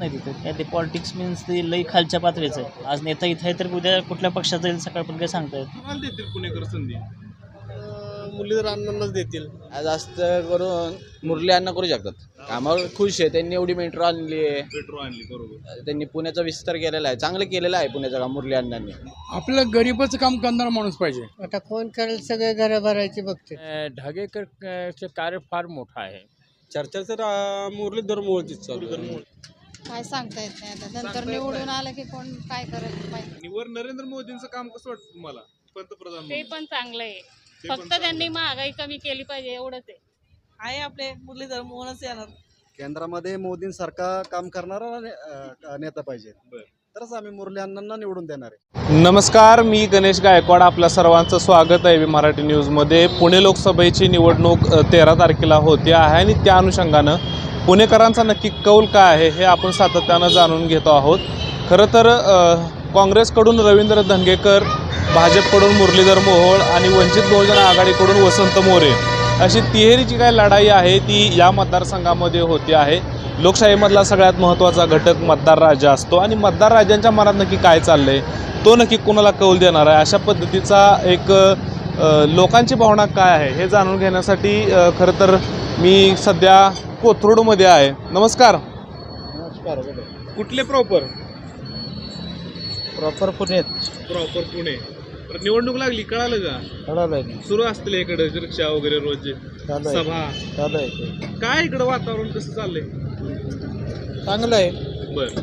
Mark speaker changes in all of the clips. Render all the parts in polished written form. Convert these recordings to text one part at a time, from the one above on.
Speaker 1: नाही तिथे काय ते पॉलिटिक्स मीन्स ते लई खालच्या पातळीचं आहे. आज नेता इथं आहे तर उद्या कुठल्या पक्षात जाईल सकाळ पण काही सांगता येत नाही.
Speaker 2: कोणाला देतील पुणेकर संधी?
Speaker 3: मुरलीधर अण्णांनाच देतील.
Speaker 4: जास्त करून मुरली अण्णा करू शकतात. कामावर खुश आहे, त्यांनी एवढी मेट्रो आणली आहे,
Speaker 2: मेट्रो आणली, बरोबर.
Speaker 4: त्यांनी पुण्याचा विस्तार केलेला आहे, चांगलं केलेलं आहे पुण्याचं काम मुरली अण्णांनी.
Speaker 5: आपलं गरीबाचं काम करणारा माणूस पाहिजे.
Speaker 3: आता कोण करेल, सगळे घरं भरायची बघते.
Speaker 5: ढगेकरचे कार्य फार मोठं आहे.
Speaker 3: चर्चा तर मुरलीधर मोळतीच चालू आहे.
Speaker 6: काय सांगता येत नाही आता. नंतर निवडून आलं की कोण काय करत पाहिजे.
Speaker 2: आणि वर नरेंद्र मोदींचं काम कसं वाटतं तुम्हाला, पंतप्रधान
Speaker 7: ते
Speaker 2: म्हणून?
Speaker 7: पण चांगलं आहे.
Speaker 2: ते पण
Speaker 7: फक्त
Speaker 2: चांगलं
Speaker 7: त्यांनी महागाई कमी केली पाहिजे एवढंच आहे.
Speaker 6: आपले मुरलीधर मोहनच येणार.
Speaker 8: केंद्रामध्ये मोदींसारखा काम करणारा नेता पाहिजे,
Speaker 2: बरं.
Speaker 8: तरच आम्ही मुरली अण्णांना निवडून देणार आहे.
Speaker 2: नमस्कार, मी गणेश गायकवाड. आपल्या सर्वांचं स्वागत आहे मराठी न्यूजमध्ये. पुणे लोकसभेची निवडणूक 13 तारखेला होते आहे आणि त्या अनुषंगानं पुणेकरांचा नक्की कौल काय आहे हे आपण सातत्यानं जाणून घेतो आहोत. खरं तर काँग्रेसकडून रवींद्र धंगेकर, भाजपकडून मुरलीधर मोहोळ आणि वंचित बहुजन आघाडीकडून वसंत मोरे अशी तिहेरीची काय लढाई आहे ती या मतदारसंघामध्ये होती आहे. लोकशाहीमधला सगळ्यात महत्त्वाचा घटक मतदार राजा असतो आणि मतदार राजांच्या मनात नक्की काय चाललं आहे, तो नक्की कोणाला कौल देणार आहे, अशा पद्धतीचा एक लोकांची भावना काय आहे हे जाणून घेण्यासाठी खरं तर मी सध्या कोथरूडमध्ये आहे. नमस्कार.
Speaker 8: नमस्कार.
Speaker 2: कुठले प्रॉपर?
Speaker 8: प्रॉपर पुण्यात.
Speaker 2: प्रॉपर पुणे. तर निवडणूक लागली, कळालं का?
Speaker 8: कळालं
Speaker 2: सुरू असतील इकडे रिक्षा वगैरे रोजचे, सभा.
Speaker 8: चालू आहे.
Speaker 2: काय इकडं वातावरण कसं चाललंय?
Speaker 8: चांगलं आहे.
Speaker 2: बर.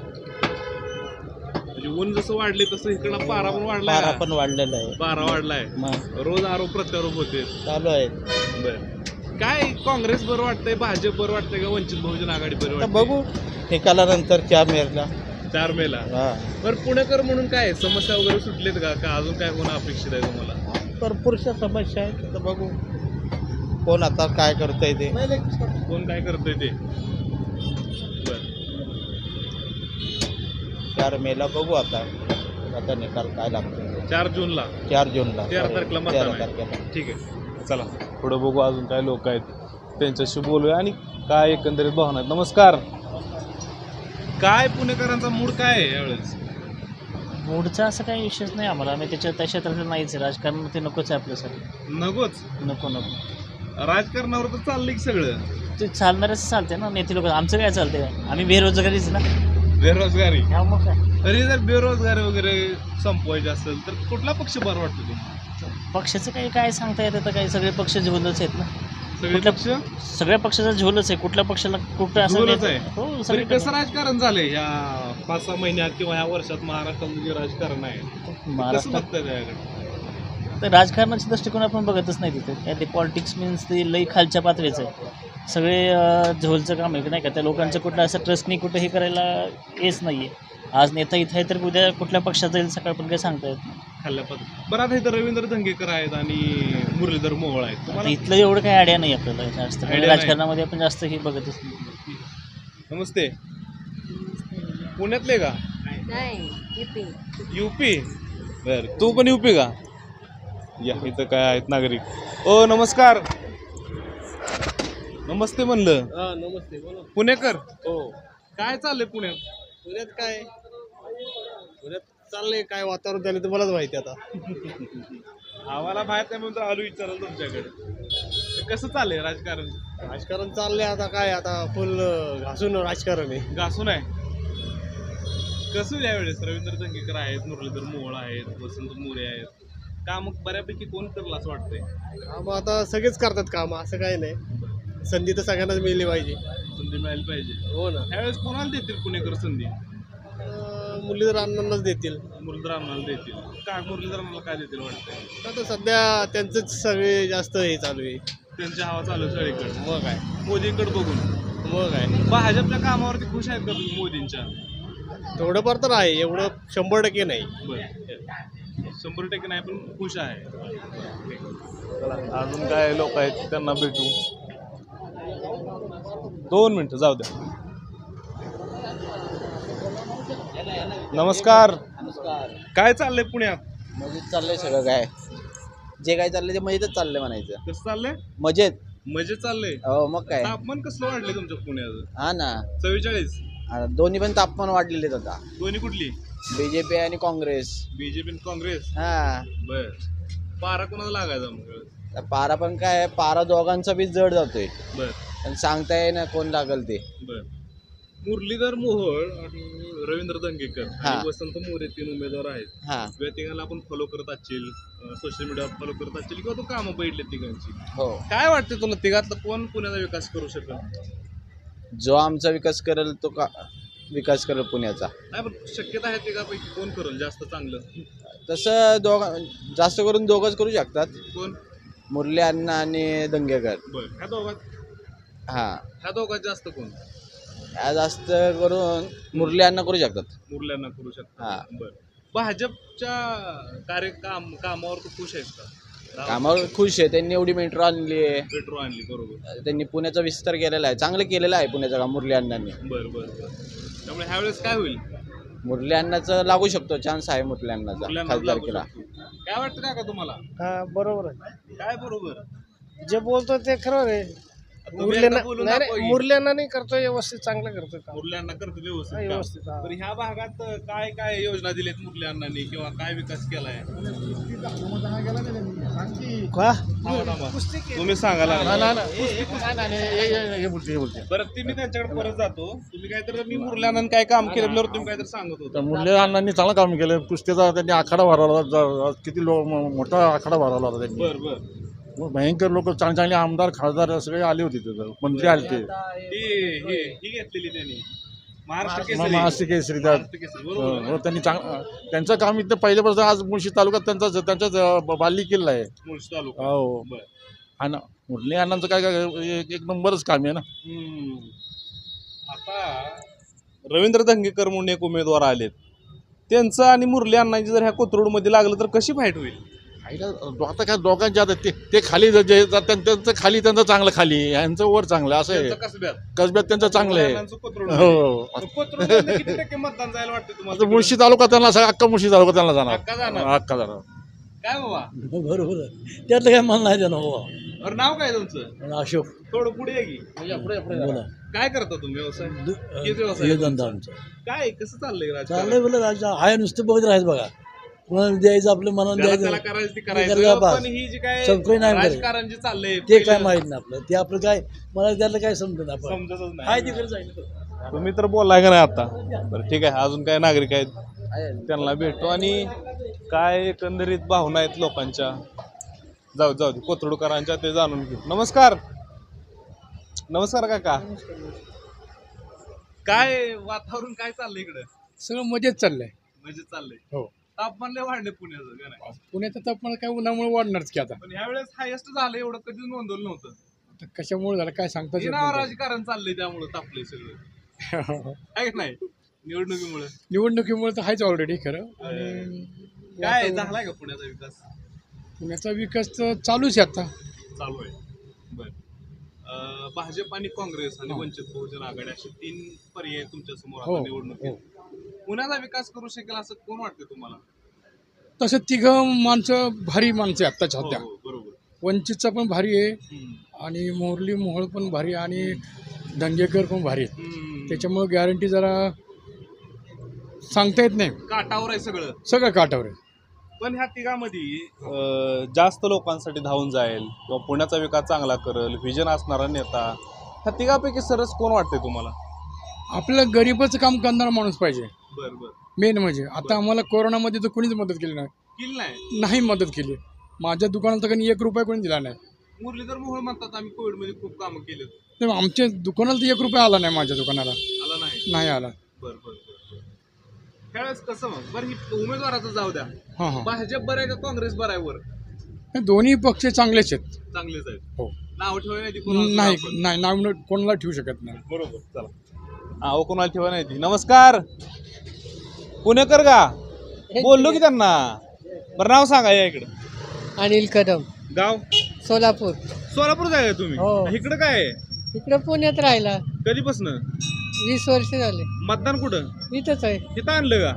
Speaker 2: म्हणजे ऊन जसं वाढले तसं इकडं पारा पण वाढलाय.
Speaker 8: पारा पण वाढलेला आहे.
Speaker 2: पारा वाढलाय. रोज आरोप प्रत्यारोप होते.
Speaker 8: चालू आहे.
Speaker 2: बर. काय काँग्रेस बरं वाटतंय, भाजप बरं वाटतंय का वंचित बहुजन आघाडी बरं वाटतंय?
Speaker 8: बघू निकालानंतर 4 मेला.
Speaker 2: 4 मेला. बरं, पुणेकर म्हणून काय समस्या वगैरे सुटलेत का अजून काय होणं अपेक्षित आहे तुम्हाला?
Speaker 8: भरपूरशा समस्या आहेत, तर बघू कोण आता काय करतंय ते.
Speaker 2: कोण काय करतंय ते. बर.
Speaker 8: 4 मेला बघू आता निकाल काय लागतो.
Speaker 2: 4 जूनला.
Speaker 8: 4 जूनला
Speaker 2: 13 तारखेला मतदान आहे. ठीक आहे, चला पुढे बघू अजून काय लोक आहेत त्यांच्याशी बोलूया आणि काय एकंदरीत भावना आहेत. नमस्कार. काय पुणेकरांचा मूड काय आहे यावेळेस?
Speaker 1: मूडचा असं काही विषयच नाही आम्हाला. आम्ही त्या क्षेत्रातलं नाहीच आहे. राजकारण ते नकोच आहे आपल्यासाठी.
Speaker 2: नकोच.
Speaker 1: नको.
Speaker 2: राजकारणावर तर चाललंय की सगळं.
Speaker 1: ते चालणारच चालते ना नेते लोक. आमचं काय चालतंय? आम्ही बेरोजगारीच ना.
Speaker 2: बेरोजगारी.
Speaker 1: ह्या मग काय
Speaker 2: तरी जर बेरोजगारी वगैरे संपवायची असेल तर कुठला पक्ष बरं वाटतो तुम्हाला?
Speaker 1: पक्षाचं काही काय सांगता येतं? तर काही सगळे पक्ष झोलच आहेत ना.
Speaker 2: सगळे पक्ष
Speaker 1: सगळ्या पक्षाचा झोलच आहे. कुठल्या पक्षाला कुठं असं
Speaker 2: झोलच आहे.
Speaker 1: हो
Speaker 2: तरी
Speaker 1: सगळे
Speaker 2: कसं राजकारण झालंय या 5-6 महिन्यात किंवा ह्या वर्षात महाराष्ट्रामध्ये जे राजकारण आहे कसं
Speaker 1: महाराष्ट्रात
Speaker 2: बघताय त्याकडे?
Speaker 1: तर राजकारणाच्या दृष्टिकोन आपण बघतच नाही तिथे. काय ते पॉलिटिक्स मीन्स ते लई खालच्या पातळीचं आहे. सगळे झोलचं काम आहे नाही का. त्या लोकांचं कुठलं असं ट्रस्ट नाही, कुठं हे करायला हेच नाही आहे. आज नेता इथं आहे तर उद्या कुठल्या पक्षात जाईल सकाळ पण काही सांगता येत नाही.
Speaker 2: खाल्ल्या पद्धत. बरं, आता इथं रवींद्र धंगेकर आहेत आणि मुरलीधर मोहोळ आहेत.
Speaker 1: आता
Speaker 2: तुम्हाला
Speaker 1: इथलं एवढं काही आयडिया नाही आपल्याला जास्त.
Speaker 2: नाही.
Speaker 1: राजकारणामध्ये आपण जास्त हे बघतच नाही.
Speaker 2: नमस्ते. पुण्यातले का? युपी. बर, तू पण युपी का? या इथं काय आहेत नागरिक. ओ नमस्कार. नमस्ते म्हणलं.
Speaker 3: नमस्ते. बोला.
Speaker 2: पुणेकर.
Speaker 3: हो.
Speaker 2: काय चाललंय पुण्यात?
Speaker 3: पुण्यात चाललंय काय वातावरण त्याने तुम्हालाच माहिती आता.
Speaker 2: आम्हाला माहित नाही म्हणून तर आलो विचारायला तुमच्याकडे. तर कसं चाललंय राजकारण?
Speaker 3: राजकारण चाललंय आता काय, आता फुल घासून राजकारण आहे.
Speaker 2: घासून आहे. कसं यावेळेस रवींद्र धंगेकर आहेत, मुरलीधर मोहोळ आहेत, वसंत मोरे आहेत. काम बऱ्यापैकी कोण करलं असं वाटतंय?
Speaker 3: काम आता सगळेच करतात काम, असं काही नाही. संधी तर सगळ्यांनाच मिळली पाहिजे.
Speaker 2: संधी मिळायला पाहिजे.
Speaker 3: हो ना.
Speaker 2: यावेळेस कोणाला देतील पुणेकर संधी?
Speaker 3: मुरलीधर अण्णांनाच देतील.
Speaker 2: मुरलीधर अण्णाला देतील. काय मुरलीधर अण्णाला काय देतील वाटतंय?
Speaker 3: आता सध्या त्यांचंच सगळे जास्त हे चालू आहे.
Speaker 2: त्यांची हवा चालू आहे सगळीकडे.
Speaker 3: मग काय.
Speaker 2: मोदींकडे बघून.
Speaker 3: मग काय.
Speaker 2: भाजपच्या कामावरती खुश आहेत का तुम्ही मोदींच्या?
Speaker 3: थोडंफार तर आहे, एवढं 100% नाही.
Speaker 2: बरं, 100% नाही पण खुश आहे. अजून काय लोक आहेत त्यांना भेटू. 2 मिनिटं जाऊ द्या. नमस्कार. काय चाललंय पुण्यात?
Speaker 4: मजेत चाललंय सगळं. काय जे काय चाललंय ते मजेतच चाललंय म्हणायचं.
Speaker 2: कसं चाललंय?
Speaker 4: मजेत.
Speaker 2: मजेत चाललंय.
Speaker 4: हो मग काय.
Speaker 2: तापमान कसलं वाढलंय तुमच्या पुण्यात?
Speaker 4: हा ना.
Speaker 2: 44.
Speaker 4: दोन्ही पण तापमान वाढलेले आहेत आता.
Speaker 2: दोन्ही कुठली?
Speaker 4: बीजेपी आणि काँग्रेस.
Speaker 2: बीजेपी काँग्रेस.
Speaker 4: हा
Speaker 2: बर. पारा कोणाला लागायचा मग?
Speaker 4: पारा पण काय पारा दोघांचा बी जड जातोय.
Speaker 2: बर
Speaker 4: पण सांगता येईना कोण लागल ते.
Speaker 2: बर. मुरलीधर मोहोळ आणि रवींद्र दंगेकर
Speaker 4: हा.
Speaker 2: आणि वसंत मोरे 3 उमेदवार आहेत.
Speaker 4: हा
Speaker 2: या तिघांना आपण फॉलो करत असतील, सोशल मीडियावर फॉलो करत असतील किंवा तू कामं बघितले तिघांची.
Speaker 4: हो.
Speaker 2: काय वाटतं तुला तिघातलं कोण पुण्याचा विकास करू शकेल?
Speaker 4: जो आमचा विकास करेल तो विकास करेल पुण्याचा.
Speaker 2: नाही पण शक्यता आहे तिघापैकी कोण करेल जास्त चांगलं?
Speaker 4: तसं जास्त करून दोघंच करू शकतात.
Speaker 2: कोण?
Speaker 4: मुरली अण्णा आणि दंगेकर.
Speaker 2: बर. ह्या
Speaker 4: हा
Speaker 2: दोघात जास्त कोण?
Speaker 4: या जास्त करून मुरली अण्णा करू शकतात.
Speaker 2: मुरल्यांना करू शकता.
Speaker 4: हा.
Speaker 2: बर. भाजपच्या कामावर तू खुश आहेस का?
Speaker 4: कामावर खुश आहे. त्यांनी एवढी मेट्रो आणली आहे.
Speaker 2: मेट्रो आणली. बरोबर.
Speaker 4: त्यांनी पुण्याचा विस्तार केलेला आहे. चांगलं केलेलं आहे पुण्याचं काम मुरली अण्णांनी.
Speaker 2: बर बर बर. त्यामुळे ह्यावेळेस काय होईल?
Speaker 4: मुरली अण्णाचं लागू शकतो. चान्स आहे मुरली अण्णाचा
Speaker 2: मुरल्यांना लागू
Speaker 4: खासदारकीला.
Speaker 2: शकतो. काय वाटतं का तुम्हाला?
Speaker 3: हा बरोबर आहे.
Speaker 2: काय बरोबर?
Speaker 3: जे बोलतो ते खरं आहे. मुरल्यांना नाही करतोय, व्यवस्थित चांगलं करतोय काम.
Speaker 2: मुरल्यांना करतो व्यवस्थित काम.
Speaker 3: व्यवस्थित हा.
Speaker 2: तर ह्या भागात काय काय योजना दिल्यात मुरल्यांनी किंवा काय विकास केलाय? तुम्ही सांगा बरं. ती मी त्यांच्याकडे परत जातो. तुम्ही काहीतरी मी मुरल्यांना काय काम केल्यावर तुम्ही काहीतरी सांगत होता.
Speaker 9: मुरली अण्णांनी चांगलं काम केलं. कुस्तीचा त्यांनी आखाडा भरवला. किती मोठा आखाडा भरवला होता त्यांनी.
Speaker 2: बर बर.
Speaker 9: भयंकर लोक चांगले चांगले आमदार खासदार सगळे आले होते तिथं. मंत्री आले ते
Speaker 2: ही घेतलेली त्यांनी महाराष्ट्र
Speaker 9: महाराष्ट्र केसरी त्यात.
Speaker 2: महाराष्ट्र केसरी. बरोबर.
Speaker 9: हो त्यांनी त्यांचं काम इथं पहिल्यापासून आज मुळशी तालुक्यात त्यांचा बाली किल्ला आहे.
Speaker 2: मुळशी तालुका.
Speaker 9: हो.
Speaker 2: बर.
Speaker 9: हा ना. मुरली अण्णांचं काय एक नंबरच काम आहे ना.
Speaker 2: आता रवींद्र दंगेकर म्हणून एक उमेदवार आलेत. त्यांचं आणि मुरली अण्णांची जर ह्या कोथरूडमध्ये लागलं तर कशी फाईट होईल?
Speaker 9: आता काय दोघांचे आता ते खाली त्यांचं खाली त्यांचं चांगलं खाली यांचं वर चांगलं असं आहे. कसब्यात त्यांचं चांगलं आहे. हो.
Speaker 2: किती टक्के मतदान जायला वाटतं तुम्हाला?
Speaker 9: मुळशी तालुका त्यांना अख्खा मुळशी तालुका त्यांना जाणार.
Speaker 2: अख्खा जाणार.
Speaker 9: अख्खा जाणार.
Speaker 2: काय बाबा?
Speaker 5: बरोबर आहे. त्यातलं काय म्हणणं आहे त्यानं बाबा.
Speaker 2: बरं, नाव काय तुमचं?
Speaker 5: अशोक.
Speaker 2: थोडं पुढे आहे की.
Speaker 5: बोला.
Speaker 2: काय करता तुम्ही व्यवसाय? किती व्यवसाय?
Speaker 5: हे धंदा आमचा
Speaker 2: काय कसं चाललंय राजकारण?
Speaker 5: चाललंय बोला राजा आहे नुसतं बघत राहायचं बघा. कुणाला द्यायचं आपल्या मनानं
Speaker 2: ज्याला
Speaker 5: द्यायचं.
Speaker 2: त्याला करायचं ते
Speaker 5: करायचं
Speaker 2: करायचं.
Speaker 5: बस.
Speaker 2: पण ही जी काय
Speaker 5: चौकडी नाही करायची.
Speaker 2: राजकारण जे चाललंय
Speaker 5: ते काय
Speaker 2: पहिलं
Speaker 5: माहित नाही आपलं. ते आपलं काय मला त्यातलं काय समजत आपण
Speaker 2: समजतच
Speaker 5: काय
Speaker 2: नाही.
Speaker 5: तिकडे जायचं.
Speaker 2: तुम्ही तर बोललाय का नाही आता? बरं ठीक आहे. अजून काय नागरिक आहेत त्यांना भेटतो आणि काय एकंदरीत भावना आहेत लोकांच्या. जाऊ दे कोथरूडकरांच्या ते जाणून घेऊ. नमस्कार. नमस्कार काका. काय वातावरण काय चाललंय इकडं?
Speaker 5: सगळं मजेत चाललंय.
Speaker 2: म्हणजे चाललंय.
Speaker 5: हो.
Speaker 2: तापमान लय वाढले पुण्याचं का नाही?
Speaker 5: पुण्याचं तापमान काय उन्हामुळे वाढणारच की आता.
Speaker 2: पण ह्यावेळेस हायेस्ट झालं एवढं कधीच नोंदवलं नव्हतं.
Speaker 5: आता कशामुळे झालं काय सांगता येत
Speaker 2: नाव
Speaker 5: नाही.
Speaker 2: राजकारण चाललंय त्यामुळे तापलंय सगळं. आहे का नाही? निवडणुकीमुळे
Speaker 5: निवडणुकीमुळे तर आहेच ऑलरेडी खरं. आणि
Speaker 2: काय झालाय का पुण्याचा विकास?
Speaker 5: पुण्याचा विकास तर चालूच आहे आता.
Speaker 2: चालू आहे. बर. भाजप आणि काँग्रेस आणि वंचित बहुजन आघाडी असे 3 पर्याय तुमच्या समोर
Speaker 5: हो,
Speaker 2: आता निवडणुकीत. पुण्याचा विकास करू शकेल असं कोण वाटतं तुम्हाला?
Speaker 5: तसं तिघं माणसं भारी माणसं आहे आत्ताच्या
Speaker 2: हो,
Speaker 5: सध्या.
Speaker 2: हो, बरोबर.
Speaker 5: वंचितचा पण भारी आहे आणि मोरली मोहोळ पण भारी आहे आणि दंगेकर पण भारी आहेत. त्याच्यामुळे गॅरंटी जरा सांगता येत नाही.
Speaker 2: काटावर आहे सगळं.
Speaker 5: सगळं काटावर आहे.
Speaker 2: पण ह्या तिघामध्ये जास्त लोकांसाठी धावून जाईल किंवा पुण्याचा विकास चांगला करेल व्हिजन असणारा नेता ह्या तिघापैकी सरस कोण वाटतंय तुम्हाला?
Speaker 5: आपलं गरीबाचं काम करणारा माणूस पाहिजे
Speaker 2: बरं बरं.
Speaker 5: मेन म्हणजे. आता आम्हाला कोरोनामध्ये तर कोणीच मदत केली
Speaker 2: केली नाही.
Speaker 5: नाही मदत केली. माझ्या दुकानात तर काही 1 रुपया कोणी दिला नाही.
Speaker 2: मुरलीधर मोहोळ म्हणतात आम्ही कोविडमध्ये खूप कामं केलेत.
Speaker 5: तर आमच्या दुकानाला तर 1 रुपया आला नाही. माझ्या दुकानाला
Speaker 2: आला नाही.
Speaker 5: नाही आला.
Speaker 2: बरं बरं बरं. त्यावेळेस कसं मग बरं ही उमेदवाराचं जाऊ द्या.
Speaker 5: हां हां.
Speaker 2: भाजप बरं आहे का काँग्रेस बरं आहे? वर
Speaker 5: हे दोन्ही पक्ष चांगलेच आहेत.
Speaker 2: चांगलेच आहेत.
Speaker 5: हो.
Speaker 2: नाव ठेवाय नाही
Speaker 5: नाही नाव कोणाला ठेवू शकत नाही.
Speaker 2: बरोबर. चला हा कोणाला ठेवा नाही ती. नमस्कार. पुणेकर का बोललो की त्यांना? बरं नाव सांगा या इकडं.
Speaker 10: अनिल कदम.
Speaker 2: गाव?
Speaker 10: सोलापूर.
Speaker 2: सोलापूर जाय तुम्ही?
Speaker 10: हो.
Speaker 2: इकडं काय आहे?
Speaker 10: इकडे पुण्यात राहिला
Speaker 2: कधीपासून?
Speaker 10: 20 वर्ष झाले.
Speaker 2: मतदान कुठं?
Speaker 10: इथंच आहे.
Speaker 2: इथं आणलं का?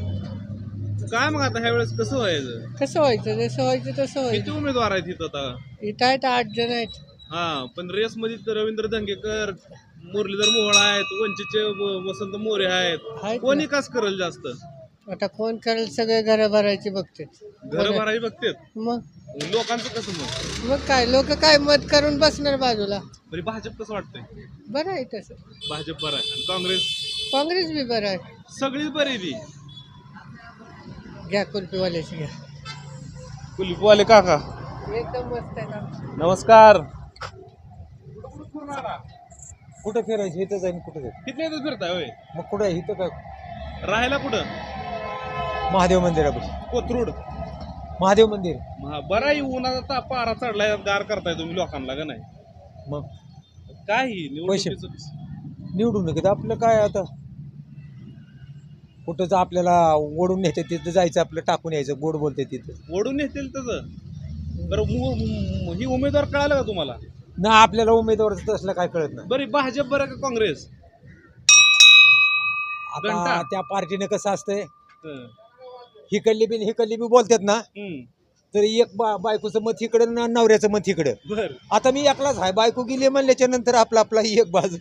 Speaker 2: काय मग आता ह्या वेळेस कसं व्हायचं?
Speaker 10: कसं व्हायचं जसं व्हायचं तसं
Speaker 2: किती
Speaker 10: व्हायचं.
Speaker 2: उमेदवार आहेत इथं आता?
Speaker 10: इथं आहेत 8 जण आहेत.
Speaker 2: हा पण रेस मध्ये तर रवींद्र दंगेकर मुरलीधर मोहोळ आहेत, वंचितचे वसंत मोरे आहेत.
Speaker 10: आहेत
Speaker 2: कोण
Speaker 10: ना.
Speaker 2: विकास करेल जास्त?
Speaker 10: आता कोण करेल सगळे घरं भरायचे बघते
Speaker 2: घर भरावी बघतेत.
Speaker 10: मग
Speaker 2: लोकांचं कसं मग?
Speaker 10: मग काय लोक काय मत करून बसणार बाजूला.
Speaker 2: बरी भाजप कसं वाटतंय?
Speaker 10: बरं आहे तसं.
Speaker 2: भाजप बरं आहे आणि काँग्रेस?
Speaker 10: काँग्रेस बी बरं आहे.
Speaker 2: सगळीच बरी ती.
Speaker 10: घ्या कुल्फीवाल्याची घ्या.
Speaker 2: कुलपवाले काका
Speaker 10: एकदम मस्त आहे ना.
Speaker 2: नमस्कार.
Speaker 8: कुठं फिरायचं इथं जाईन कुठं जाईल
Speaker 2: किती दिवस फिरताय होय?
Speaker 8: मग कुठं इथं काय
Speaker 2: राहायला कुठं?
Speaker 8: महादेव मंदिरापाशी
Speaker 2: कोथरूड.
Speaker 8: महादेव मंदिर.
Speaker 2: बरं आहे, उन्हाचा पारा चढलाय, गार करताय तुम्ही लोकांना का नाही?
Speaker 8: मग
Speaker 2: काय ही निवडणुकीचं?
Speaker 8: निवडून नका आपलं काय आता कुठंच आपल्याला ओढून नेते तिथं जायचं आपलं टाकून यायचं गोड बोलते तिथं
Speaker 2: ओढून येतील तसं. बरं ही उमेदवार कळालं का तुम्हाला?
Speaker 8: ना आपल्याला उमेदवार तसलं काय कळत नाही.
Speaker 2: बरी भाजप बरं का काँग्रेस?
Speaker 8: आता
Speaker 2: घंटा.
Speaker 8: त्या पार्टीने कसं असतंय
Speaker 2: हं.
Speaker 8: हिकडली बी बोलतात ना
Speaker 2: हं.
Speaker 8: तर एक बायकोचं मत इकडं ना नवऱ्याचं मत इकडं.
Speaker 2: बर.
Speaker 8: आता मी एकलाच आहे बायको गेली म्हणल्याच्या नंतर आपला एक बाजू.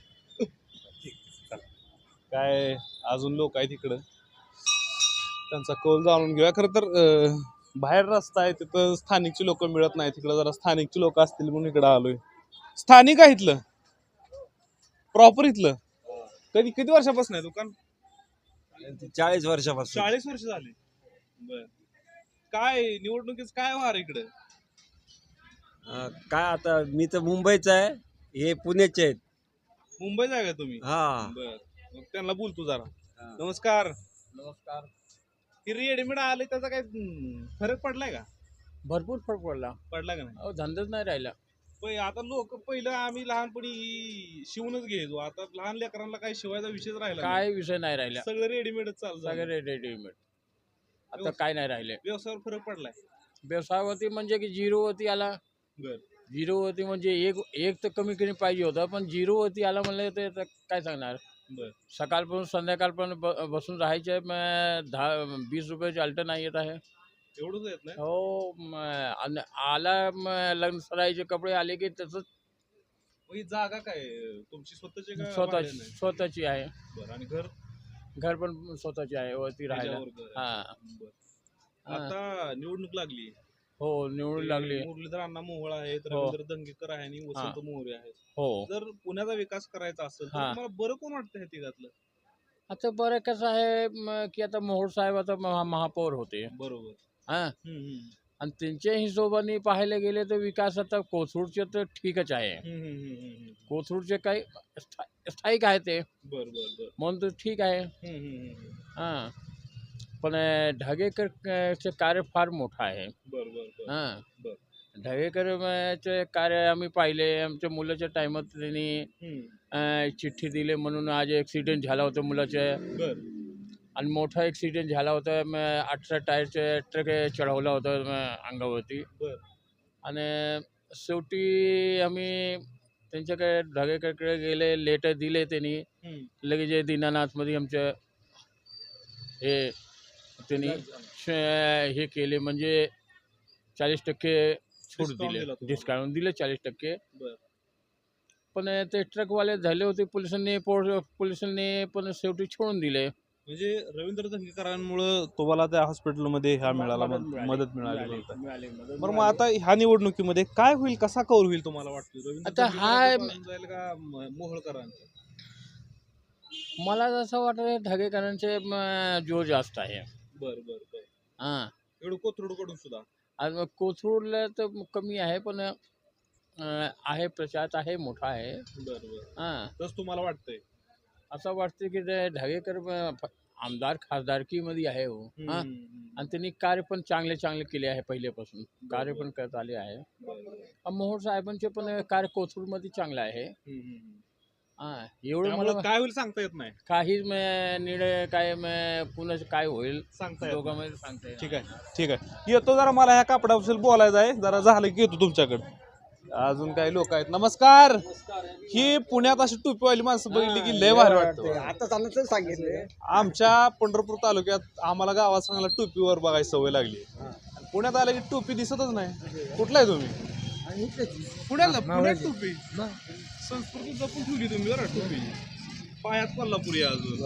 Speaker 2: काय अजून लोक आहेत इकडं, त्यांचा कौल जाणून घेऊया. खरं तर बाहेर रस्ता आहे तिथं स्थानिकची लोक मिळत नाही. तिकडं जरा स्थानिकची लोक असतील म्हणून इकडं आलोय. स्थानिक आहे इथलं, प्रॉपर इथलं. किती वर्षापासून आहे दुकान?
Speaker 8: 40 वर्षापासून.
Speaker 2: 40 वर्ष झाले. बर. काय निवडणुकीच काय वार इकडे?
Speaker 8: काय आता मी तर मुंबईचा आहे, हे पुण्याचे आहेत.
Speaker 2: मुंबईत आहे का तुम्ही?
Speaker 8: हा.
Speaker 2: बर. मग त्यांना बोलतो जरा. नमस्कार.
Speaker 8: नमस्कार.
Speaker 2: ही रेडीमेड आले त्याचा काय फरक पडलाय का?
Speaker 5: भरपूर फरक पडला.
Speaker 2: पडला का नाही?
Speaker 5: धंदाच नाही राहिला.
Speaker 2: आता लोक पहिलं आम्ही लहानपणी शिवूनच घ्यायचो, आता लहान लेकरांना काही शिवायचा विषयच राहिला नाही.
Speaker 5: काय विषय नाही राहिला.
Speaker 2: सगळं रेडीमेडच चालू झालं.
Speaker 5: सगळे रेडीमेड. आता काय नाही राहिले.
Speaker 2: व्यवसायावर फरक पडलाय.
Speaker 5: व्यवसायावरती म्हणजे की झिरोवरती आला.
Speaker 2: बर.
Speaker 5: झिरोवरती म्हणजे एक तर कमी पाहिजे होतं, पण झिरोवरती आला म्हणलं ते काय सांगणार.
Speaker 2: बर.
Speaker 5: सकाळपासून संध्याकाळपर्यंत बसून राहायचे. 10-20 रुपयाचे अल्टर नाही येत आहे.
Speaker 2: एवढंच येत नाही.
Speaker 5: हो. आला लग्न सराईचे कपडे आले की तसंच.
Speaker 2: ही जागा काय तुमची स्वतःची का भाड्याने?
Speaker 5: स्वतःची आहे.
Speaker 2: बरं. आणि घर
Speaker 5: पण स्वतःची आहे वरती राहायला.
Speaker 2: त्याच्यावर घर आहे.
Speaker 5: हा.
Speaker 2: बरं. आता निवडणूक लागली.
Speaker 5: हो निवडून लागली.
Speaker 2: मुरलीधर अण्णा मोहोळ आहेत,
Speaker 5: हो.
Speaker 2: रवींद्र दंगेकर आहे आणि वसंत मोरे आहेत.
Speaker 5: हो.
Speaker 2: जर पुण्याचा विकास करायचा असेल तर
Speaker 5: हा.
Speaker 2: तुम्हाला बरं कोण वाटतं हे तिघातलं?
Speaker 5: आता बरं कसं आहे की आता मोहोळ साहेब आता महापौर होते.
Speaker 2: बरोबर.
Speaker 5: हा.
Speaker 2: हम्म.
Speaker 5: आणि त्यांच्या हिशोबाने पाहायला गेले तर विकास आता कोथरूडचे तर ठीकच आहे. कोथरूडचे काही स्थायिक आहे ते,
Speaker 2: बर बर बर.
Speaker 5: म्हणून तर ठीक आहे. हां. पण ढगेकरचे कार्य फार मोठं आहे.
Speaker 2: बर बर बर.
Speaker 5: हां.
Speaker 2: बर.
Speaker 5: ढगेकरचे कार्य आम्ही पाहिले. आमच्या मुलाच्या टायमात त्यांनी चिठ्ठी दिली म्हणून आज ॲक्सिडेंट झाला होता मुलाच्या.
Speaker 2: बर.
Speaker 5: आणि मोठा ॲक्सिडेंट झाला होता. 18 टायरचे ट्रक चढवला होता अंगावरती.
Speaker 2: बर.
Speaker 5: आणि शेवटी आम्ही त्यांच्याकडे ढगेकरकडे गेले. लेटर दिले त्यांनी. लगेच दीनानाथमध्ये आमच्या त्यांनी हे केले म्हणजे 40% सूट दिले, डिस्काउंट दिले 40%. पण ते ट्रकवाले झाले होते पोलिसांनी पण शेवटी सोडून दिले.
Speaker 2: म्हणजे रवींद्र दंगेकरांमुळे तुम्हाला त्या हॉस्पिटलमध्ये ह्या मिळाला, मदत मिळाली. बरं. मग आता ह्या निवडणुकीमध्ये काय होईल, कसा कौल होईल तुम्हाला वाटतं?
Speaker 5: आता हा
Speaker 2: जाईल का मोहोळकरांचं?
Speaker 5: मला असं वाटतं ढगेकरांचे जोर जास्त आहे.
Speaker 2: बर बर बर.
Speaker 5: हां.
Speaker 2: एवढं कोथरूडकडून सुद्धा
Speaker 5: आणि कोथरूडला तर कमी आहे पण आहे, प्रचार आहे, मोठा आहे.
Speaker 2: बर बर.
Speaker 5: हां.
Speaker 2: तसं तुम्हाला वाटतंय?
Speaker 5: असं वाटतं की ते ढगेकर आमदार खासदारकीमध्ये आहे हो. हां. आणि त्यांनी कार्य पण चांगले केले आहे. पहिल्यापासून कार्य पण करत आले आहे. मोहोळ साहेबांचे पण कार्य कोथरूडमध्ये चांगलं आहे. हां. एवढं मला
Speaker 2: काय होईल सांगता येत नाही.
Speaker 5: काहीच निर्णय काय पुन्हा काय होईल
Speaker 2: सांगता येत
Speaker 5: दोघांमध्ये सांगता येईल.
Speaker 2: ठीक आहे ठीक आहे. येतो जरा, मला ह्या कापडाबद्दल बोलायचं आहे. जरा झालं की येतो तुमच्याकडे. अजून काही लोक आहेत. नमस्कार. ही पुण्यात अशी टोपीवाली माणसं बघितली की लय भारी वाटतं.
Speaker 8: आता चाललं सांगितलं
Speaker 2: आमच्या पंढरपूर तालुक्यात आम्हाला गावात सांगायला टोपीवर बघायची सवय लागली. पुण्यात आलं की टोपी दिसतच नाही. कुठला आहे तुम्ही? पुण्यात टोपी संस्कृती जपून ठेवली तुम्ही बरं टोपी पायात कोल्हापुरी आहे अजून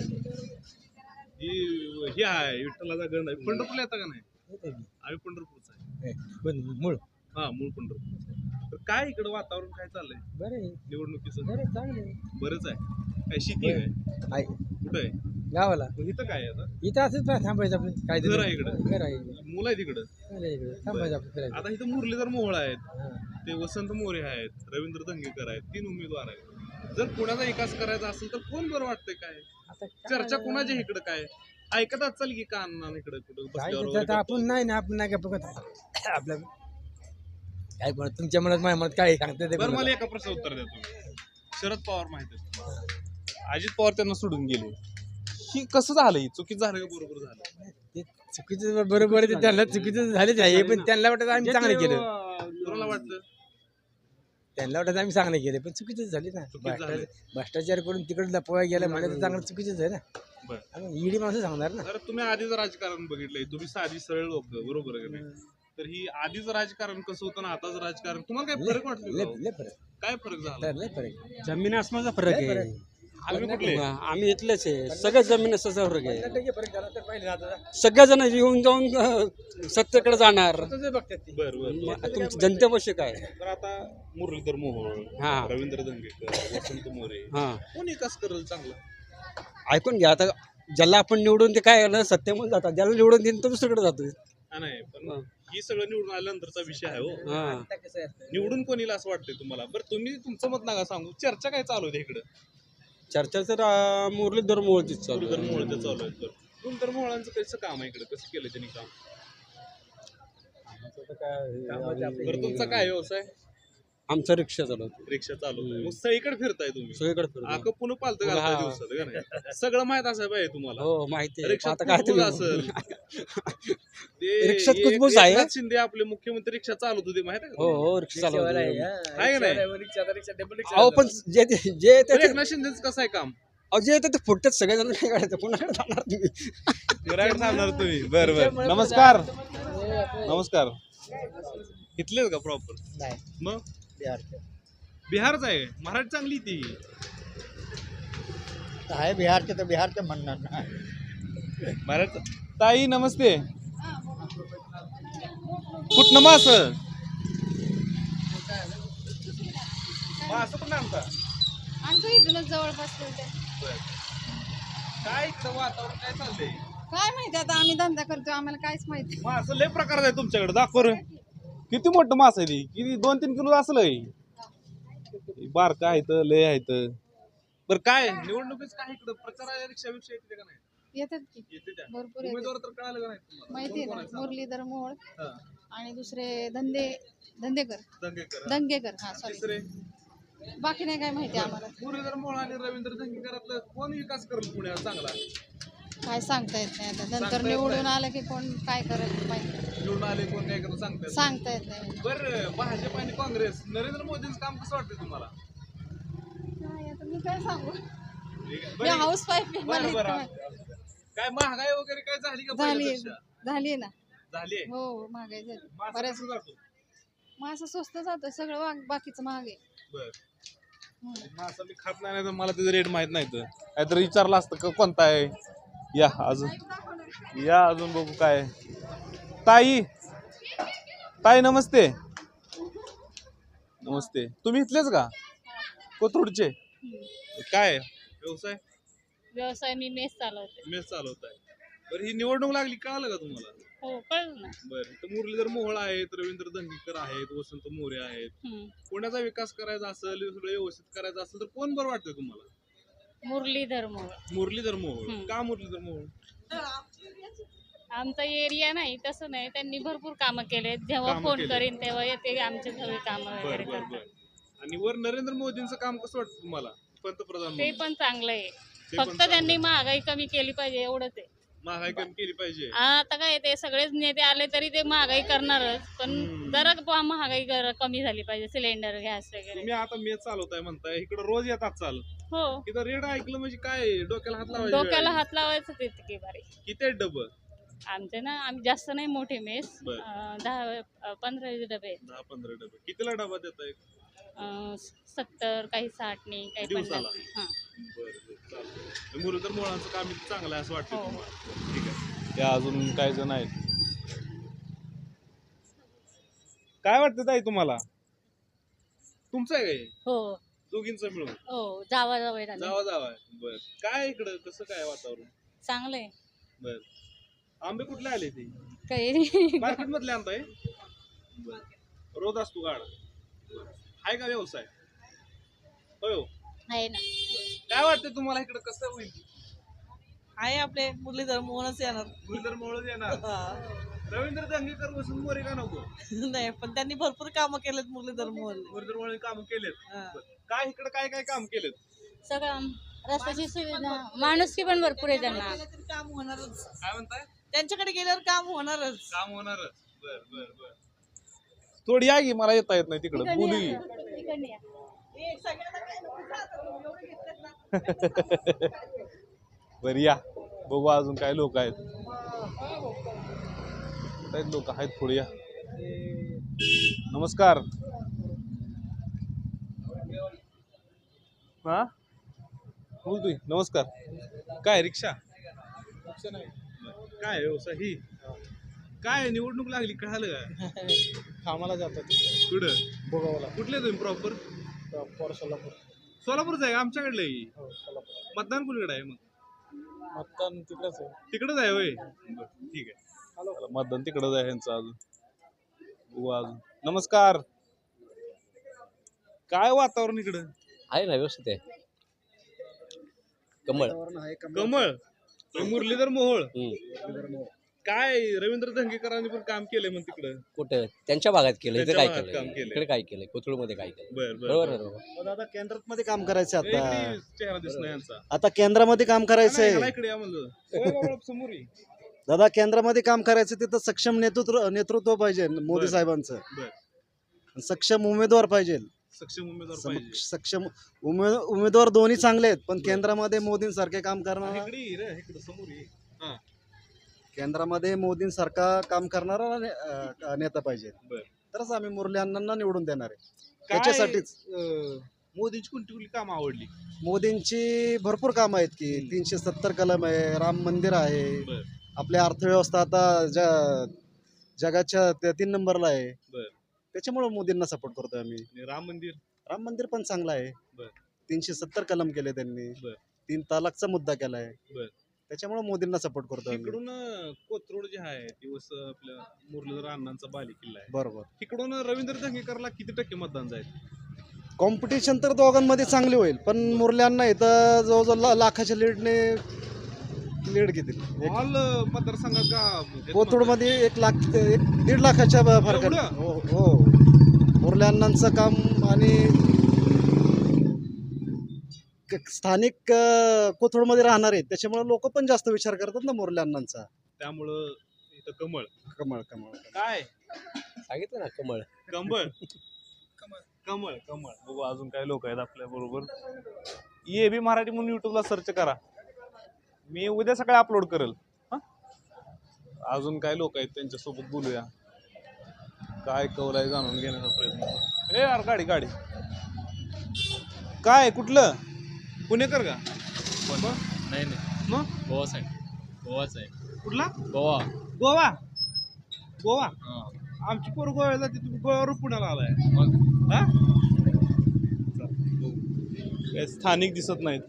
Speaker 2: ही आहे विठ्ठलाचा गण आहे. पंढरपूरला येता का नाही? आम्ही पंढरपूरचा आहे.
Speaker 8: मूळ
Speaker 2: हा मूळ पंढरपूर. तर काय इकडं वातावरण काय चाललंय
Speaker 8: बरं
Speaker 2: निवडणुकीचं?
Speaker 8: बरं चांगलं
Speaker 2: बरंच आहे. काय शेती आहे
Speaker 8: आहे
Speaker 2: कुठं आहे?
Speaker 8: गावाला
Speaker 2: मग इथं काय आहे आता?
Speaker 8: इथं असंच थांबायचं आपण काय
Speaker 2: घर आहे इकडं,
Speaker 8: घर आहे
Speaker 2: मुलं आहे तिकडं.
Speaker 8: थांबायचं आपण फिरायचं.
Speaker 2: आता इथं मुरलीधर मोहोळ आहेत, ते वसंत मोरे आहेत, रवींद्र दंगेकर आहेत, 3 उमेदवार आहेत. जर पुण्याचा विकास करायचा असेल तर कोण बरं वाटतंय? काय
Speaker 8: आता
Speaker 2: चर्चा कोणाच्या इकडं काय ऐकत असाल की का अण्णा इकडं कुठं
Speaker 8: काय
Speaker 2: बसल्यावर
Speaker 8: ते
Speaker 2: वगैरे
Speaker 8: आता आपण नाही ना आपण नाही का बघत आपल्या काय म्हणत तुमच्या मनात माझ्या मनात काय सांगते ते
Speaker 2: बरं
Speaker 8: कोणाला?
Speaker 2: मला एका प्रश्न उत्तर द्या तुम्ही. शरद पवार माहिती आहे तुम्हाला? अजित पवार त्यांना सोडून गेले. ही कसं झालं? ही चुकीचं झालं का बरोबर झालं?
Speaker 8: ते चुकीचं बरोबर आहे ते त्यांना चुकीचं झालेच आहे पण त्यांना वाटत आम्ही चांगलं केलं
Speaker 2: कोणाला वाटतं?
Speaker 8: त्यांना वाटत आम्ही चांगलं केलं पण चुकीचंच झाली ना
Speaker 2: चुकीचं झालं.
Speaker 8: भ्रष्टाचार करून तिकडे लपवा गेला म्हणजे तर चांगलं चुकीचंच आहे ना.
Speaker 2: बरं.
Speaker 8: आणि ईडी माणसं सांगणार ना.
Speaker 2: तर तुम्ही आधीच राजकारण बघितलंय, तुम्ही साधी सरळ लोक बरोबर आहे का नाही? तर ही आधीच राजकारण कसं होतं ना आताच राजकारण तुम्हाला काय फरक वाटतो का?
Speaker 8: लय फरक
Speaker 2: काय फरक झाला?
Speaker 8: लय फरक
Speaker 11: जमीन आसमानचा फरक
Speaker 8: लय
Speaker 11: आहे.
Speaker 8: फरक.
Speaker 2: तुम्ही कुठले?
Speaker 11: आम्ही इथलेच आहे. सगळ्या जमीन असाचा फरक आहे.
Speaker 8: 50% फरक झाला तर पाहिजे आता
Speaker 11: सगळ्या जण येऊन जाऊन सत्तेकडे जाणार.
Speaker 8: तसंच बघतात ते.
Speaker 2: बरं
Speaker 11: तुमची जनतेपाशी काय?
Speaker 2: तर आता मुरलीधर मोहोळ,
Speaker 11: हा.
Speaker 2: रवींद्र दंगेकर, वसंत मोरे,
Speaker 11: हा,
Speaker 2: कोण विकास करेल चांगला?
Speaker 11: ऐकून घ्या आता. ज्याला आपण निवडून ते काय ना सत्तेमध्ये जातात, ज्याला निवडून देईन तो दुसरीकडे जातो.
Speaker 2: हा नाही पण ही सगळं निवडून आल्यानंतरचा विषय आहे हो.
Speaker 11: हा,
Speaker 8: आता कसं आहे असतं?
Speaker 2: निवडून कोण येईल असं वाटतंय तुम्हाला? बरं तुम्ही तुमचं मत नका सांगू, चर्चा काय चालू आहे इकडं?
Speaker 11: चर्चा तर मुरलीधर मोहोळचीच चालू
Speaker 2: मुरलीधर
Speaker 11: आहे.
Speaker 2: मोहोळचं चालू आहे. मुरलीधर मोहोळांचं कसं काम आहे इकडं, कसं केलं त्यांनी काम? बरं तुमचा काय व्यवसाय?
Speaker 11: आमचा रिक्षा चालवतो.
Speaker 2: रिक्षा चालवताय, मग सगळीकडे फिरताय तुम्ही.
Speaker 11: सगळीकडे फिरतो.
Speaker 2: आक पुन्हा पालतं घालताय दिवसात का नाही? सगळं माहित असाय पाहिजे तुम्हाला.
Speaker 11: हो माहिती आहे.
Speaker 2: रिक्षात
Speaker 11: आता काय
Speaker 2: कुजबूज
Speaker 11: तुम्ही
Speaker 2: असेल. ते
Speaker 11: रिक्षात
Speaker 2: एक-
Speaker 11: कुजबूज आहे.
Speaker 2: एकनाथ शिंदे आपले मुख्यमंत्री रिक्षा चालवत होते माहिती आहे का
Speaker 11: हो
Speaker 2: तुम्हाला?
Speaker 11: हो रिक्षा
Speaker 8: रिक्षावाला आहे,
Speaker 11: चालवतो.
Speaker 8: हा.
Speaker 2: आहे का नाही?
Speaker 8: रिक्षावाला आहे, रिक्षा, डबल रिक्षा
Speaker 11: अहो पण जे
Speaker 2: बरं, एकनाथ शिंदेचं कसं आहे काम?
Speaker 11: जे येतं ते फुटतात सगळेजण. काय करायचं कोणाकडे जाणार तुम्ही?
Speaker 2: विराट सांगणार तुम्ही. बरं बरं नमस्कार. नमस्कार. इथलेच का प्रॉपर?
Speaker 8: नाही
Speaker 2: मग
Speaker 8: बिहारचं
Speaker 2: बिहारच आहे. मराठी चांगली ती.
Speaker 8: आहे बिहारचे तर बिहारचं म्हणणार ना.
Speaker 2: मराठी. ताई नमस्ते. कुठनं मास? मास पण आणता?
Speaker 6: आमचं इथूनच जवळपास होते.
Speaker 2: काय इकडं वातावरण काय चाललंय?
Speaker 6: काय माहिती आता आम्ही धंदा करतो आम्हाला काहीच माहिती.
Speaker 2: मास लय प्रकार आहे तुमच्याकडे, दाखव रे. किती मोठं मास आहे ती? किती 2-3 किलो असलं. बारका आहे तर लय आहे तर. बरं काय निवडणुकीच काय इकडं प्रचार रिक्षा विषय येते का नाही?
Speaker 6: येतात की
Speaker 2: येते त्या
Speaker 6: भरपूर येतात.
Speaker 2: उमेदवार तर कळालं का नाही तुम्हाला?
Speaker 6: माहिती आहे
Speaker 2: कोण
Speaker 6: ना
Speaker 2: आहे?
Speaker 6: मुरलीधर मोहोळ
Speaker 2: हा.
Speaker 6: आणि दुसरे धंदेकर
Speaker 2: दंगेकर.
Speaker 6: दंगेकर हा सॉरी
Speaker 2: तिसरे
Speaker 6: बाकी नाही काय माहिती आम्हाला.
Speaker 2: मुरलीधर मोहोळ आणि रवींद्र दंगेकरातलं कोण विकास करेल पुण्यात चांगला?
Speaker 6: काय सांगता येत नाही आता
Speaker 2: सांगता
Speaker 6: नंतर
Speaker 2: येत
Speaker 6: निवडून
Speaker 2: नाही.
Speaker 6: आलं की कोण काय करेल माहिती
Speaker 2: निवडून आले कोण काय करत
Speaker 6: सांगता येत नाही.
Speaker 2: बरं भाजप आणि काँग्रेस नरेंद्र मोदींचं काम कसं वाटतं तुम्हाला?
Speaker 6: काय आता मी काय सांगू मी
Speaker 2: बरं,
Speaker 6: हाऊस वाईफ मला
Speaker 2: बरं,
Speaker 6: इतकं
Speaker 2: बरं.
Speaker 6: माहिती.
Speaker 2: काय महागाई वगैरे काय झाली का
Speaker 6: झाली
Speaker 2: पहिल्यापेक्षा?
Speaker 6: झाली ना
Speaker 2: झाली.
Speaker 6: हो महागाई झाली
Speaker 2: मासा
Speaker 6: बऱ्याच
Speaker 2: कसं जातो?
Speaker 6: मग असं स्वस्त जातं सगळं बाकीचं महाग आहे.
Speaker 2: बरं. मासा मी खात नाही तर मला त्याचं रेट माहित नाही तर काहीतरी विचारलं असतं का कोणता आहे. या अजून बघू काय. ताई ताई नमस्ते. नमस्ते. तुम्ही इथलेच का कोथरूडचे? काय व्यवसाय?
Speaker 7: व्यवसाय मी मेस चालवते.
Speaker 2: मेस चालवताय. बरं ही निवडणूक लागली कळालं का तुम्हाला?
Speaker 7: हो कळलं ना.
Speaker 2: बरं तर मुरलीधर मोहोळ आहेत, रवींद्र दंगेकर आहेत, वसंत मोरे आहेत.
Speaker 7: हम्म.
Speaker 2: पुण्याचा विकास करायचा असेल, सगळं व्यवस्थित करायचं असेल तर कोण बरं वाटतं तुम्हाला?
Speaker 7: मुरलीधर मोहोळ.
Speaker 2: मुरलीधर मोहोळ.
Speaker 7: हम्म.
Speaker 2: का मुरलीधर मोहोळ?
Speaker 7: आमचा एरिया नाही तसं नाही त्यांनी भरपूर कामं केले. जेव्हा
Speaker 2: कामं
Speaker 7: फोन
Speaker 2: केले.
Speaker 7: करीन तेव्हा येते आमचे सगळे कामं
Speaker 2: बर
Speaker 7: वगैरे
Speaker 2: बर
Speaker 7: करतात.
Speaker 2: बर. आणि वर नरेंद्र मोदींचं काम कसं वाटतं तुम्हाला पंतप्रधान
Speaker 7: ते
Speaker 2: म्हणून?
Speaker 7: पण चांगलं आहे.
Speaker 2: ते पण
Speaker 7: फक्त
Speaker 2: चांगलं
Speaker 7: त्यांनी
Speaker 2: आहे.
Speaker 7: महागाई कमी केली पाहिजे एवढंच आहे.
Speaker 2: महागाई कमी केली पाहिजे.
Speaker 7: आता काय ते सगळेच नेते आले तरी ते महागाई करणारच पण
Speaker 2: हम्म.
Speaker 7: जरा महागाई कमी झाली पाहिजे. सिलेंडर गॅस वगैरे.
Speaker 2: तुम्ही आता मेस चालवताय म्हणताय, इकडे रोज येतात चाल.
Speaker 7: हो
Speaker 2: इथं रेड ऐकलं म्हणजे काय डोक्याला हात लावायचा वेळ
Speaker 7: डोक्याला
Speaker 2: आहे.
Speaker 7: हात लावायचं तितकी बारी.
Speaker 2: किती आहेत डबं?
Speaker 7: आमचे ना आम्ही जास्त नाही मोठे मेस
Speaker 2: बर.
Speaker 7: 10-15 डबे आहेत.
Speaker 2: 10-15 डबे. कितीला डबा देताय?
Speaker 7: 70, काही 60 नाही, काही 50
Speaker 2: दिवसाला?
Speaker 7: नाही. हां.
Speaker 2: मुरलीधर मोहोळांचं काम इथं चांगलं आहे असं वाटतं
Speaker 7: हो.
Speaker 2: तुम्हाला? ठीक आहे. त्या अजून काही जण आहेत. काय वाटतं ताई तुम्हाला? तुमचं आहे काय
Speaker 7: हो
Speaker 2: दोघींचं मिळून?
Speaker 7: हो, जावा
Speaker 2: जावा आहे. बर, काय इकडं कसं काय वातावरण?
Speaker 7: चांगलं आहे.
Speaker 2: बर, आंबे कुठले आले ते?
Speaker 7: काही
Speaker 2: मार्केट मधले आणताय? बर, रोज असतो गाड? आहे का व्यवसाय? होय हो.
Speaker 7: आहे ना.
Speaker 2: काय वाटतं तुम्हाला इकडं कसं होईल?
Speaker 10: आहे आपले मुरलीधर मोहनच येणार.
Speaker 2: मुरलीधर मोहोळ येणार. रवींद्र दंगेकर बसून मोरे का नको?
Speaker 10: नाही, पण त्यांनी भरपूर कामं केलेत मुरलीधर मोहन.
Speaker 2: मुरलीधर मोहोळ काम केलेत. बरं. काय इकडं काय काय काम केलेत?
Speaker 7: सगळं रस्त्याची सुविधा, माणुसकी पण भरपूर आहे त्यांना.
Speaker 10: काम होणारच.
Speaker 2: काय म्हणताय?
Speaker 10: त्यांच्याकडे गेल्यावर काम होणारच.
Speaker 2: काम होणारच. बर बर बर. थोडी या की, मला येता येत नाही तिकडं, बोलू की. बर या, बघू अजून काय लोक आहेत. लोक आहेत, थोडी या. नमस्कार. हा बोलतोय. नमस्कार. काय रिक्षा? काय व्यवसाय ही? काय निवडणूक लागली कळालं का?
Speaker 3: कामाला जातात
Speaker 2: कुठं?
Speaker 3: भोगावला.
Speaker 2: कुठले तुम्ही प्रॉपर?
Speaker 3: सोलापूर.
Speaker 2: सोलापूरच आहे, आमच्याकडलं आहे.
Speaker 3: हो, सोलापूर.
Speaker 2: मतदान कुणीकडे आहे मग?
Speaker 3: मतदान तिकडेच आहे.
Speaker 2: तिकडच आहे होय. बरं, ठीक आहे. चला, मतदान तिकडच आहे ह्यांचं अजून. बघू अजून. नमस्कार. काय वातावरण इकडं?
Speaker 11: आहे ना, व्यवस्थित आहे. कमळ.
Speaker 2: कमळ. मुरलीधर मोहोळ. काय रवींद्र धंगेकरांनी पण काम केलंय मग तिकडं?
Speaker 11: कुठं त्यांच्या भागात केलं, इथे
Speaker 2: त्यांच्या
Speaker 11: काय
Speaker 2: भागात काम
Speaker 11: केलं,
Speaker 2: केलंय.
Speaker 11: इकडे काय केलं, कोथरूडमध्ये काय केलं.
Speaker 2: बर बर
Speaker 11: बरोबर
Speaker 2: बर.
Speaker 11: आहे बरोबर.
Speaker 3: दादा केंद्रात मध्ये काम करायचं आता.
Speaker 2: इकडे चेहरा दिसला यांचा.
Speaker 3: आता केंद्रामध्ये काम करायचंय.
Speaker 2: ह्याला इकडे या म्हणलं. होय बाबा, समोर ये.
Speaker 3: दादा केंद्रामध्ये काम करायचं तिथं सक्षम नेतृत्व पाहिजे मोदी साहेबांचं.
Speaker 2: बर.
Speaker 3: सक्षम उमेदवार पाहिजे.
Speaker 2: सक्षम उमेदवार पाहिजे.
Speaker 3: सक्षम उमेदवार दोन्ही चांगले आहेत, पण केंद्रामध्ये मोदींसारखे काम करणारा,
Speaker 2: इकडे ये रे, इकडे समोर ये. हा.
Speaker 3: केंद्रामध्ये मोदींसारखा काम करणारा नेता पाहिजे.
Speaker 2: बर.
Speaker 3: तरच आम्ही मुरली अण्णांना निवडून देणार आहे.
Speaker 2: काय,
Speaker 3: त्याच्यासाठीच
Speaker 2: मोदींची कोणती कोणती कामं आवडली?
Speaker 3: मोदींची भरपूर कामं आहेत की 370 कलम आहे, राम मंदिर आहे,
Speaker 2: बर.
Speaker 3: आपली अर्थव्यवस्था आता जगाच्या 3 नंबरला आहे.
Speaker 2: बर.
Speaker 3: त्याच्यामुळे मोदींना सपोर्ट करतोय आम्ही.
Speaker 2: आणि राम मंदिर?
Speaker 3: राम मंदिर पण चांगलं आहे.
Speaker 2: बर.
Speaker 3: 370 कलम केले त्यांनी.
Speaker 2: बर.
Speaker 3: 3 तलाकचा मुद्दा केलाय.
Speaker 2: बर.
Speaker 3: त्याच्यामुळे मोदींना सपोर्ट करतोय आम्ही.
Speaker 2: इकडून कोथरूड जे आहे दिवस आपल्या मुरलीधर अण्णांचा बाली किल्ला आहे.
Speaker 3: बरोबर.
Speaker 2: तिकडून रवींद्र धंगेकरला किती टक्के मतदान जाईल?
Speaker 3: कॉम्पिटिशन तर दोघांमध्ये चांगली होईल, पण मुरल्यांना इथं जवळजवळ लाखाच्या लीड घेतील.
Speaker 2: ऑल मतदारसंघात का?
Speaker 3: कोथरूडमध्ये 1 लाखाच्या फरक.
Speaker 2: एवढं?
Speaker 3: हो हो. मुरल्यांचं काम आणि स्थानिक कोथरूडमध्ये राहणार आहेत, त्याच्यामुळे लोक पण जास्त विचार करतात ना मुरली अण्णांचा.
Speaker 2: त्यामुळं इथं कमळ.
Speaker 3: कमळ कमळ.
Speaker 2: काय
Speaker 11: सांगितलं ना, कमळ.
Speaker 2: कमळ. कमळ कमळ. बघू अजून काय लोक आहेत आपल्या बरोबर. ये बी मराठी म्हणून युट्यूबला सर्च करा, मी उद्या सकाळी अपलोड करेल. अजून काय लोक आहेत त्यांच्यासोबत बोलूया, काय कौल आहे जाणून घेण्याचा प्रयत्न. यार गाडी गाडी काय कुठलं पुणेकर का?
Speaker 5: नाही नाही,
Speaker 2: मग
Speaker 5: गोवा साईड. गोवाच आहे.
Speaker 2: कुठला?
Speaker 5: गोवा.
Speaker 2: गोवा. गोवा. आमची पोर गोव्याला जाते, तुम्ही गोव्यावर पुण्याला आलाय.
Speaker 5: मग
Speaker 2: हा? काय स्थानिक दिसत नाहीत.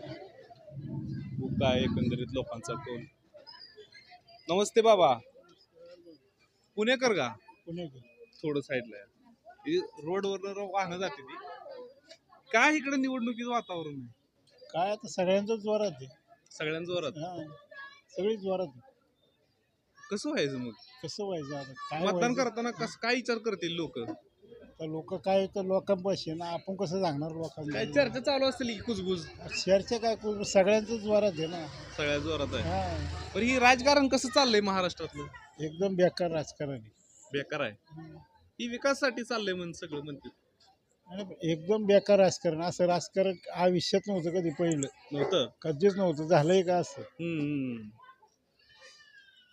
Speaker 2: काय एकंदरीत लोकांचा कौल. नमस्ते बाबा. पुणेकर का? थोडं साईडला आहे. रोडवर वाहनं जाते ती. काय इकडे निवडणुकीचं वातावरण आहे?
Speaker 3: काय आता सगळ्यांचं जोरात आहे.
Speaker 2: सगळ्यांचं जोरात.
Speaker 3: सगळी जोरात.
Speaker 2: कसं व्हायचं मग?
Speaker 3: कसं व्हायचं आता? काय
Speaker 2: मतदान करताना काय विचार करतील लोक?
Speaker 3: लोक काय तर लोकांपाशी ना, आपण कसं सांगणार लोकांना?
Speaker 2: काय चर्चा चालू असतील की कुजबुज?
Speaker 3: शहरचे काय सगळ्यांचं जोरात आहे ना.
Speaker 2: सगळ्या जोरात आहे.
Speaker 3: हा.
Speaker 2: पण ही राजकारण कसं चाललंय महाराष्ट्रातलं?
Speaker 3: एकदम बेकार राजकारण आहे.
Speaker 2: बेकार आहे. ही विकासासाठी चाललंय म्हणून सगळं म्हणते.
Speaker 3: एकदम बेकार राजकारण. असं राजकारण आयुष्यात नव्हतं कधी, पहिलं
Speaker 2: नव्हतं,
Speaker 3: कधीच नव्हतं. झालंय का असं?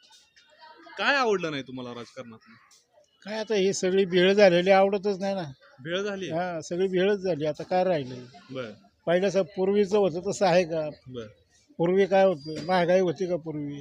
Speaker 2: काय आवडलं नाही तुम्हाला राजकारणात?
Speaker 3: काय आता ही सगळी भेळ झालेली आवडतच नाही ना.
Speaker 2: भेळ झाली.
Speaker 3: हा सगळी भेळच झाली. आता काय राहिलं?
Speaker 2: बर
Speaker 3: पहिल्याचं पूर्वीचं होतं तसं आहे का?
Speaker 2: बर.
Speaker 3: पूर्वी काय होतं? महागाई होती का पूर्वी?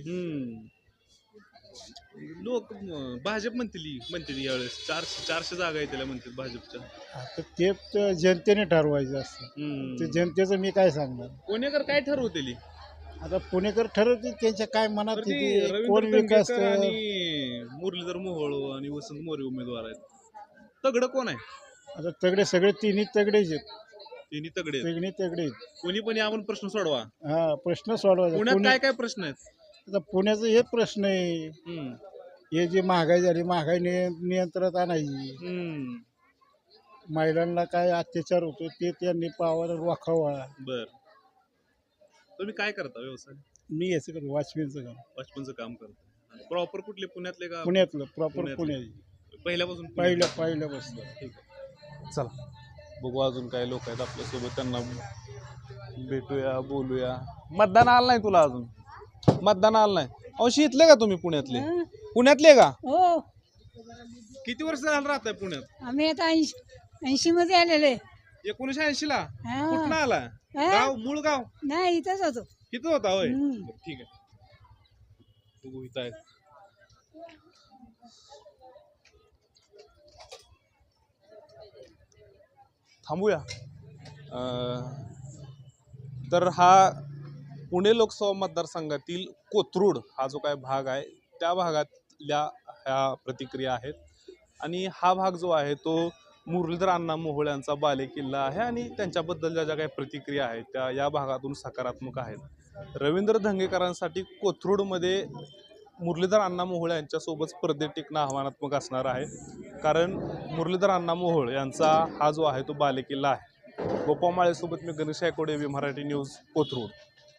Speaker 2: लोक भाजप म्हणतील यावेळेस 400 जागा येतील म्हणतात भाजपच्या.
Speaker 3: आता ते तर जनतेने ठरवायचं असतं. ते जनतेचं मी काय सांगणार?
Speaker 2: पुणेकर काय ठरवतील?
Speaker 3: आता पुणेकर ठरवतील त्यांच्या काय मनात
Speaker 2: तर ते
Speaker 3: येते,
Speaker 2: रवींद्र
Speaker 3: कोण विकास
Speaker 2: दंगेकर आणि मुरलीधर मोहोळ आणि वसंत मोरे उमेदवार आहेत. तगड कोण आहे?
Speaker 3: आता तगडे सगळे तिन्ही तगडेच आहेत.
Speaker 2: तिन्ही तगडे आहेत.
Speaker 3: तिन्ही तगडे आहेत.
Speaker 2: कोणी पण आपण प्रश्न सोडवा.
Speaker 3: हा प्रश्न सोडवायचा.
Speaker 2: पुण्यात काय काय प्रश्न आहेत?
Speaker 3: आता पुण्याचं हे प्रश्न आहे. हे जे महागाई झाली, महागाई नियंत्रणात आणायची. महिलांना काय अत्याचार होतो ते त्यांनी पावावर वाखावा.
Speaker 2: बर. तुम्ही काय करता व्यवसाय?
Speaker 3: मी याचं करतो, वॉचमॅनचं काम.
Speaker 2: वॉचमनचं काम करता. प्रॉपर कुठले पुण्यातले का?
Speaker 3: पुण्यातलं प्रॉपर पुण्याची.
Speaker 2: पहिल्यापासून
Speaker 3: पहिल्यापासून.
Speaker 2: ठीक आहे. चला बघू अजून काय लोक आहेत आपल्यासोबत, त्यांना भेटूया, बोलूया. मतदान आलं नाही तुला अजून? मतदान आलं नाही. अवशी इथले का तुम्ही पुण्यातले? पुण्यातले का?
Speaker 6: हो,
Speaker 2: किती वर्ष झालं राहताय पुण्यात?
Speaker 6: आम्ही आता 80 मध्ये आलेले.
Speaker 2: 1980 ला कुठं आला? गाव मूळ गाव
Speaker 6: नाही, इथंच होतो.
Speaker 2: किती होता होय? ठीक आहे. बघू इथं आहे. थांबूया. तर हा पुणे लोकसभा मतदारसंघातील कोथरूड हा जो काय भाग आहे त्या भागातल्या ह्या प्रतिक्रिया आहेत. आणि हा भाग जो आहे तो मुरलीधर अण्णा मोहोळ यांचा बालेकिल्ला आहे आणि त्यांच्याबद्दलच्या ज्या काही प्रतिक्रिया आहेत त्या या भागातून सकारात्मक आहेत. रवींद्र धंगेकरांसाठी कोथरूडमध्ये मुरलीधर अण्णा मोहोळ यांच्यासोबत स्पर्धेत टिकणं आव्हानात्मक असणार आहे. कारण मुरलीधर अण्णा मोहोळ यांचा हा जो आहे तो बालेकिल्ला आहे. गोपामाळेसोबत मी गणेश आयकोडे, मराठी न्यूज, कोथरूड.